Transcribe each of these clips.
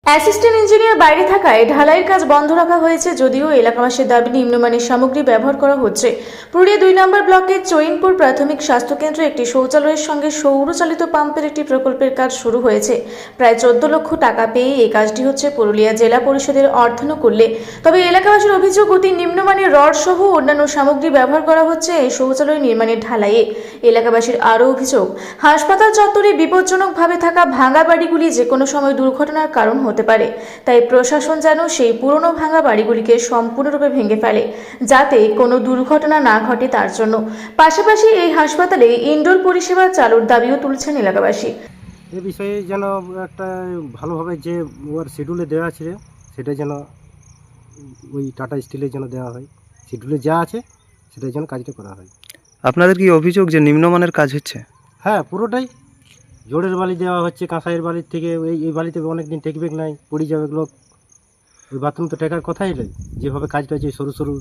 Assistant engineer বাইরে থাকায় ঢালাইয়ের কাজ বন্ধ রাখা হয়েছে, যদিও এলাকাবাসীর দাবি নিম্নমানের সামগ্রী ব্যবহার করা হচ্ছে। পুরুলিয়া 2 নম্বর ব্লকের চৈনপুর প্রাথমিক স্বাস্থ্যকেন্দ্রে একটি শৌচালয়ের সঙ্গে সৌরচালিত পাম্পের একটি প্রকল্পের কাজ শুরু হয়েছে। প্রায় 14 লক্ষ টাকা পেয়ে এই কাজটি হচ্ছে পুরুলিয়া জেলা পরিষদের অর্থানুকূল্যে। তবে এলাকাবাসীর অভিযোগ, অতি নিম্নমানের রড সহ অন্যান্য সামগ্রী ব্যবহার করা হচ্ছে এই শৌচালয় নির্মাণের ঢালাইয়ে। এলাকাবাসীর আরও অভিযোগ, হাসপাতাল চত্বরে বিপজ্জনকভাবে থাকা ভাঙা বাড়িগুলি যে কোনো সময় দুর্ঘটনার কারণ হতে পারে। তাই প্রশাসন যেন সেই পুরনো ভাঙা বাড়িগুলিকে সম্পূর্ণরূপে ভেঙে ফেলে, যাতে কোনো দুর্ঘটনা না ঘটে তার জন্য। পাশাপাশি এই হাসপাতালে ইনডোর পরিষেবা চালুর দাবিও তুলছেন এলাকাবাসী। এ বিষয়ে যেন একটা ভালোভাবে যে ওর শিডিউলে দেওয়া আছে সেটা যেন ওই টাটা স্টিলের জন্য দেওয়া হয়, শিডিউলে যা আছে সেটার জন্য কাজটা করা হয়। আপনাদের কি অভিযোগ যে নিম্নমানের কাজ হচ্ছে? হ্যাঁ, পুরোটাই জোড়ের বালি দেওয়া হচ্ছে, কাঁসাইয়ের বালির থেকে। এই বালিতে অনেক দিন টেকবে নাই, পড়ে যাবে এগুলো। ওই বাথরুম তো টেকার কথাই নেই। যেভাবে কাজটা হচ্ছে সরু সরু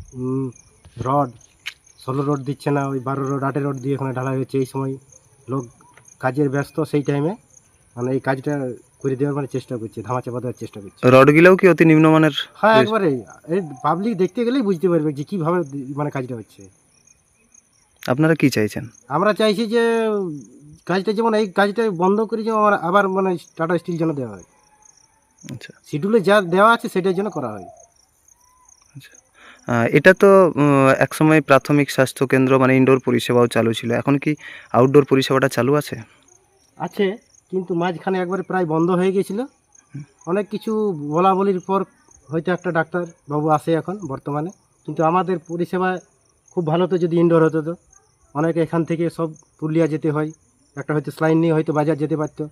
রড, 16 রড দিচ্ছে না, ওই 12 রড 8 রড দিয়ে এখানে ঢালাই হচ্ছে। এই সময় লোক কাজের ব্যস্ত, সেই টাইমে মানে এই কাজটা করে দেওয়ার মানে চেষ্টা করছে, ধামাচাপা দেওয়ার চেষ্টা করছে। রডগুলোও কি অতি নিম্নমানের? হ্যাঁ, একবারে এই পাবলিক দেখতে গেলেই বুঝতে পারবে যে কীভাবে মানে কাজটা হচ্ছে। আপনারা কি চাইছেন? আমরা চাইছি যে কাজটা যেমন এই কাজটা বন্ধ করে যেমন আবার মানে টাটা স্টিল যেন দেওয়া হয়। আচ্ছা শিডিউলে যা দেওয়া আছে সেটার জন্য করা হয়। আচ্ছা, এটা তো একসময় প্রাথমিক স্বাস্থ্য কেন্দ্র মানে ইনডোর পরিষেবাও চালু ছিল, এখন কি আউটডোর পরিষেবাটা চালু আছে? আছে, কিন্তু মাঝখানে একবারে প্রায় বন্ধ হয়ে গেছিলো। অনেক কিছু বলা বলির পর হয়তো একটা ডাক্তার বাবু আসে এখন বর্তমানে, কিন্তু আমাদের পরিষেবা খুব ভালো। তো যদি ইনডোর হতো তো অনেকে এখান থেকে সব পুরুলিয়া যেতে হয়, একটা হয়তো স্লাইন নিয়ে হয়তো বাজার যেতে পারতো।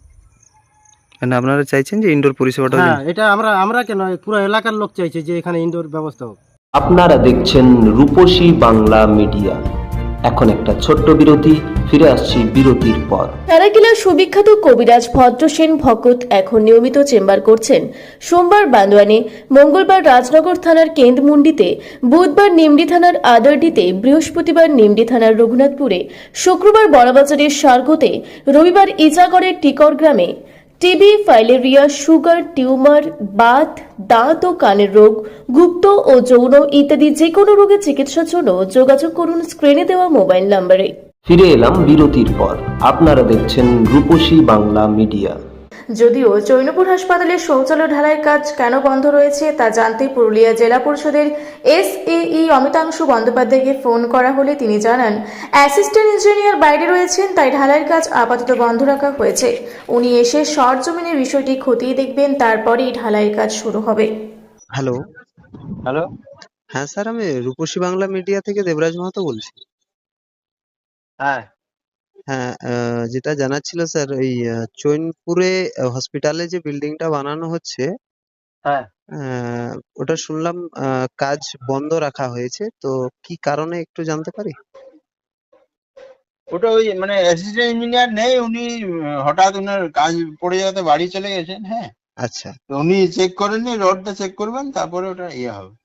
মানে আপনারা চাইছেন যে ইনডোর পরিষেবাটা? হ্যাঁ, এটা আমরা কেন, পুরো এলাকার লোক চাইছে যে এখানে ইনডোর ব্যবস্থা হোক। আপনারা দেখছেন রূপসী বাংলা মিডিয়া। এখন একটা ছোট্ট বিরতি, ফিরে আসছি বিরতির পর। সারাকিলার সুবিখ্যাত কবিরাজ ভদ্রসেন ভকত এখন নিয়মিত চেম্বার করছেন সোমবার বান্দোয়ানে, মঙ্গলবার রাজনগর থানার কেন্দ্রমুন্ডিতে, বুধবার নিমডি থানার আদারডিতে, বৃহস্পতিবার নিমডি থানার রঘুনাথপুরে, শুক্রবার বড়বাজারের সার্গতে, রবিবার ইজাগড়ের টিকর গ্রামে। টিবি, ফাইলেরিয়া, সুগার, টিউমার, বাত, দাঁত ও কানের রোগ, গুপ্ত ও যৌন ইত্যাদি যে কোনো রোগের চিকিৎসার জন্য যোগাযোগ করুন স্ক্রিনে দেওয়া মোবাইল নম্বরে। ফিরে এলাম বিরতির পর। আপনারা দেখছেন রূপসী বাংলা মিডিয়া। যদিও চৈনপুর হাসপাতালের শৌচালয় ঢালাইয়ের কাজ কেন বন্ধ রয়েছে তা জানতে পুরুলিয়া জেলা পরিষদের SAE অমিতাংশু বন্দ্যোপাধ্যায়কে ফোন করা হলে তিনি জানান, অ্যাসিস্ট্যান্ট ইঞ্জিনিয়ার বাইরে রয়েছেন, তাই ঢালাইয়ের কাজ আপাতত বন্ধ রাখা হয়েছে। উনি এসে সরজমিনে বিষয়টি খতিয়ে দেখবেন, তারপরেই ঢালাইয়ের কাজ শুরু হবে। হ্যালো। হ্যালো। হ্যাঁ স্যার, আমি রূপসী বাংলা মিডিয়া থেকে দেবরাজ মাহাতো বলছি। হ্যাঁ, হ্যাঁ, যেটা জানার ছিল স্যার, ওই চৈনপুরে হসপিটালে যে বিল্ডিংটা বানানো হচ্ছে, হ্যাঁ। ওটা শুনলাম কাজ বন্ধ রাখা হয়েছে, তো কি কারণে একটু জানতে পারি? ওটা ওই মানে অ্যাসিস্ট্যান্ট ইঞ্জিনিয়ার নেই, উনি হঠাৎ ওনার কাজ পড়ে যাওয়াতে বাড়ি চলে গেছেন। হ্যাঁ, আচ্ছা তো উনি চেক করেননি, রডটা চেক করবেন, তারপরে ওটা ইয়ে হবে।